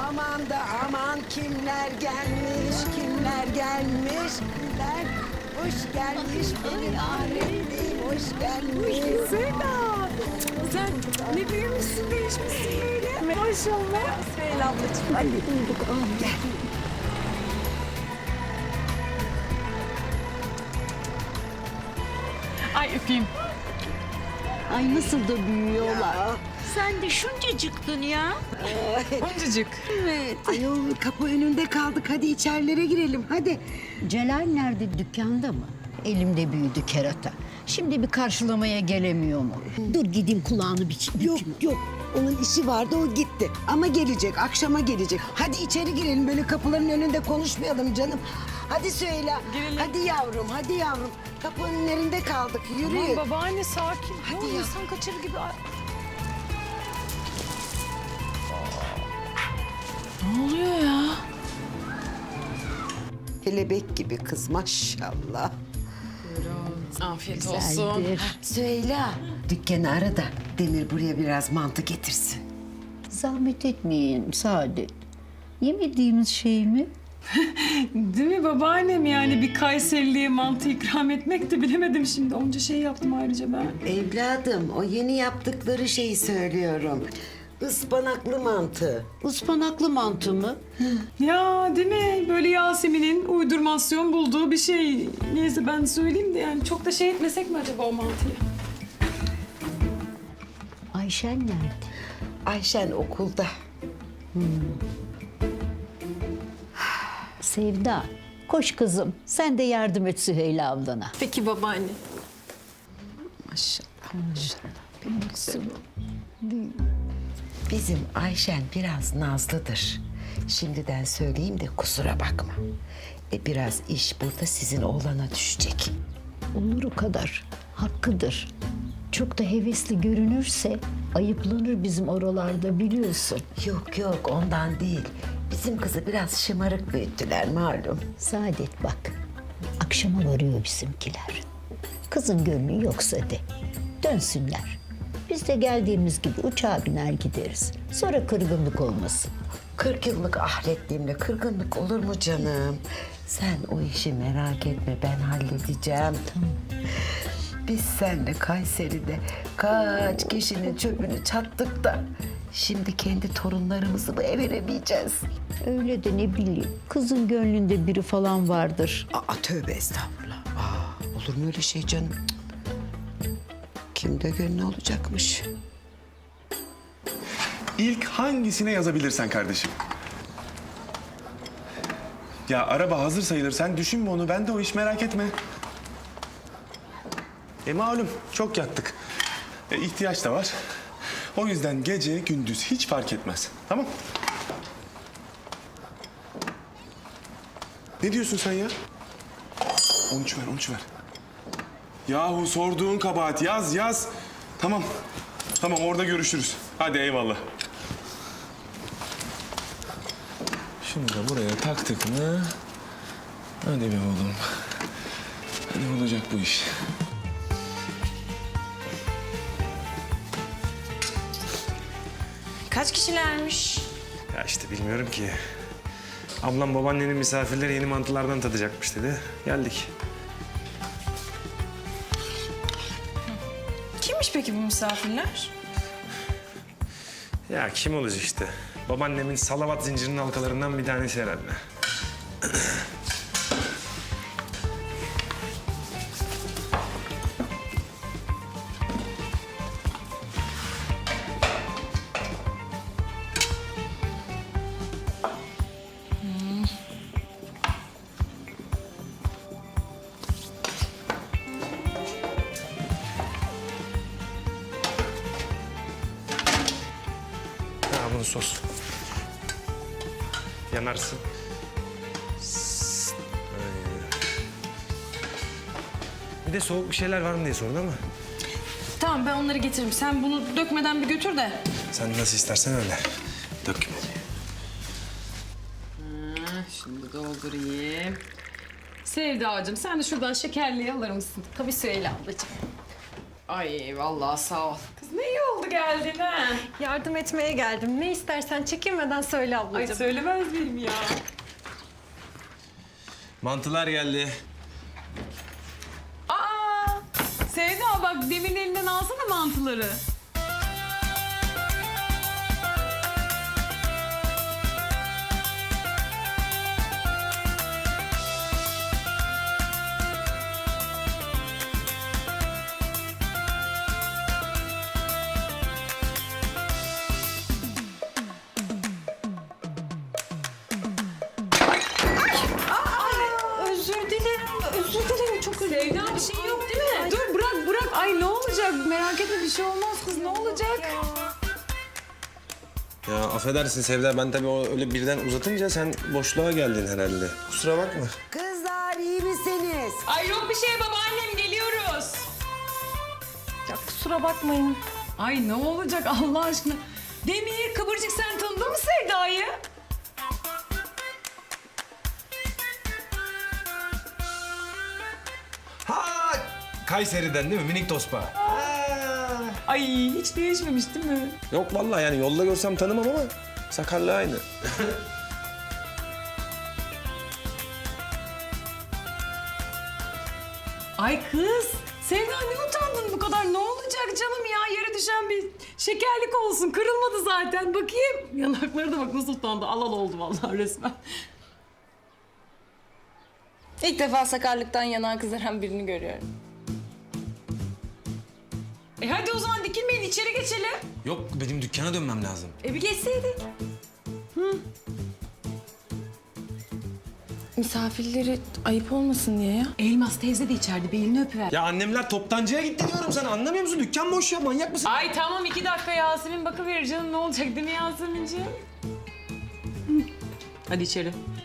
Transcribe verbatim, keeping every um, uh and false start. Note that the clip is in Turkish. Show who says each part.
Speaker 1: Aman da aman kimler gelmiş, kimler gelmiş, kimler hoş gelmiş benim ahretliğim, hoş gelmiş.
Speaker 2: Zeyda, sen ne büyümüşsün, değişmişsin böyle. Maşallah. Süheyla ablacığım.
Speaker 1: Hadi bulduk, al gel.
Speaker 2: Ay öpeyim.
Speaker 3: Ay nasıl da büyüyorlar.
Speaker 1: Ya.
Speaker 3: Sen de şuncacıktın ya.
Speaker 2: Oncacık.
Speaker 3: Evet.
Speaker 1: Ayol kapı önünde kaldık, hadi içerilere girelim, hadi.
Speaker 3: Celal nerede, dükkanda mı? Elimde büyüdü kerata. Şimdi bir karşılamaya gelemiyor mu? Dur gideyim kulağını bir
Speaker 1: Yok yok, onun işi vardı, o gitti. Ama gelecek, akşama gelecek. Hadi içeri girelim, böyle kapıların önünde konuşmayalım canım. Hadi söyle.
Speaker 2: Girelim.
Speaker 1: Hadi yavrum, hadi yavrum. Kapının önünde kaldık, yürüyün.
Speaker 2: Aman babaanne sakin.
Speaker 1: Hadi
Speaker 2: Hadi
Speaker 1: ya.
Speaker 2: insan kaçırır gibi. Ay. Ne oluyor ya?
Speaker 1: Kelebek gibi kız maşallah.
Speaker 2: Afiyet olsun.
Speaker 3: güzeldir.
Speaker 1: Söyle. Dükkanı ara da Demir buraya biraz mantı getirsin.
Speaker 3: Zahmet etmeyin Saadet. Yemediğimiz şey mi?
Speaker 2: Değil mi babaannem, yani bir Kayserili'ye mantı ikram etmek de bilemedim şimdi. Onca şey yaptım ayrıca ben.
Speaker 1: Evladım, o yeni yaptıkları şeyi söylüyorum. Ispanaklı mantı.
Speaker 3: Ispanaklı mantı mı?
Speaker 2: Ya değil mi? Böyle Yasemin'in uydurmasyon bulduğu bir şey. Neyse ben söyleyeyim de yani çok da şey etmesek mi acaba o mantıyı?
Speaker 3: Ayşen nerede?
Speaker 1: Ayşen okulda.
Speaker 3: Sevda, koş kızım. Sen de yardım et Süheyla ablana.
Speaker 2: Peki babaanne.
Speaker 1: Maşallah, maşallah. Benim kızım. Bizim Ayşen biraz nazlıdır. Şimdiden söyleyeyim de kusura bakma. E biraz iş burada sizin oğlana düşecek.
Speaker 3: Olur o kadar. Hakkıdır. Çok da hevesli görünürse ayıplanır bizim oralarda biliyorsun.
Speaker 1: Yok yok, ondan değil. Bizim kızı biraz şımarık büyüttüler malum.
Speaker 3: Saadet bak, akşama varıyor bizimkiler. Kızın gönlü yoksa de, dönsünler. Biz de geldiğimiz gibi uçağa biner gideriz. Sonra kırgınlık olmasın.
Speaker 1: Kırk yıllık ahretliğimle kırgınlık olur mu canım? Sen o işi merak etme, ben halledeceğim. Biz seninle Kayseri'de kaç kişinin çöpünü çattık da... Şimdi kendi torunlarımızı mı eve veremeyeceğiz?
Speaker 3: Öyle de ne bileyim, kızın gönlünde biri falan vardır.
Speaker 1: Aa, tövbe estağfurullah. Aa, olur mu öyle şey canım? Cık. Kimde gönlü olacakmış?
Speaker 4: İlk hangisine yazabilirsen kardeşim. Ya araba hazır sayılır. Sen düşünme onu. Ben de o iş, merak etme. E malum çok yattık. E, ihtiyaç da var. O yüzden gece gündüz hiç fark etmez. Tamam? Ne diyorsun sen ya? on üç ver, on üç ver. Yahu sorduğun kabahat. Yaz, yaz. Tamam. Tamam, orada görüşürüz. Hadi eyvallah. Şunu da buraya taktık mı? Hadi be oğlum. Hadi olacak bu iş.
Speaker 5: Kaç kişilermiş?
Speaker 6: Ya işte bilmiyorum ki. Ablam babaannenin misafirleri yeni mantılardan tadacakmış dedi. Geldik.
Speaker 5: Kimmiş peki bu misafirler?
Speaker 6: Ya kim olacak işte? Babaannemin salavat zincirinin halkalarından bir tanesi herhalde. Ha bunu sos. Yanarsın. Sst. Aynen. Bir de soğuk bir şeyler var mı diye sordun ama.
Speaker 5: Tamam, ben onları getiririm. Sen bunu dökmeden bir götür de.
Speaker 6: Sen nasıl istersen öyle. Dökme.
Speaker 2: Şimdi doldurayım. Sevdacığım sen de şuradan şekerliği alır mısın? Tabii Süheyla ablacığım. Ay vallahi sağ ol. Kız ne iyi oldu geldin ha.
Speaker 7: Yardım etmeye geldim. Ne istersen çekinmeden söyle
Speaker 2: Ay
Speaker 7: ablacığım.
Speaker 2: söylemez miyim ya?
Speaker 6: Mantılar geldi.
Speaker 2: Aa! Sevda bak demin elinden alsana mantıları.
Speaker 7: Özür dilerim, özür dilerim. Çok özür dilerim.
Speaker 2: Sevda bir şey yok değil mi? Dur bırak bırak. Ay ne olacak? Merak etme bir şey olmaz kız. Ne olacak?
Speaker 6: Ya affedersin Sevda, ben tabii o öyle birden uzatınca sen boşluğa geldin herhalde. Kusura bakma.
Speaker 1: Kızlar iyi misiniz?
Speaker 2: Ay yok bir şey babaannem geliyoruz.
Speaker 7: Ya kusura bakmayın.
Speaker 2: Ay ne olacak Allah aşkına? Demir Kıvırcık sen tanıdın mı Sevda'yı?
Speaker 6: Ha! Kayseri'den değil mi? Minik tospa.
Speaker 2: Ay hiç değişmemiş değil mi?
Speaker 6: Yok vallahi yani yolda görsem tanımam ama sakarlığı aynı.
Speaker 2: Ay kız Sevda ne utandın bu kadar? Ne olacak canım ya? Yere düşen bir şekerlik olsun. Kırılmadı zaten. Bakayım. Yanakları da bak nasıl utandı. Alal oldu vallahi resmen.
Speaker 5: İlk defa sakarlıktan yanağı kızaran birini görüyorum.
Speaker 2: E hadi o zaman dikilmeyin içeri geçelim.
Speaker 6: Yok, benim dükkana dönmem lazım.
Speaker 2: E bir geçseydik.
Speaker 5: Misafirleri ayıp olmasın diye ya.
Speaker 2: Elmas teyze de içeride bir elini öpüver.
Speaker 6: Ya annemler toptancıya gitti diyorum sana. Anlamıyor musun? Dükkan boş ya. Manyak mısın?
Speaker 2: Ay tamam iki dakika Yasemin bakıverir canım ne olacak değil mi Yasemin'ciğim? Hı. Hadi içeri.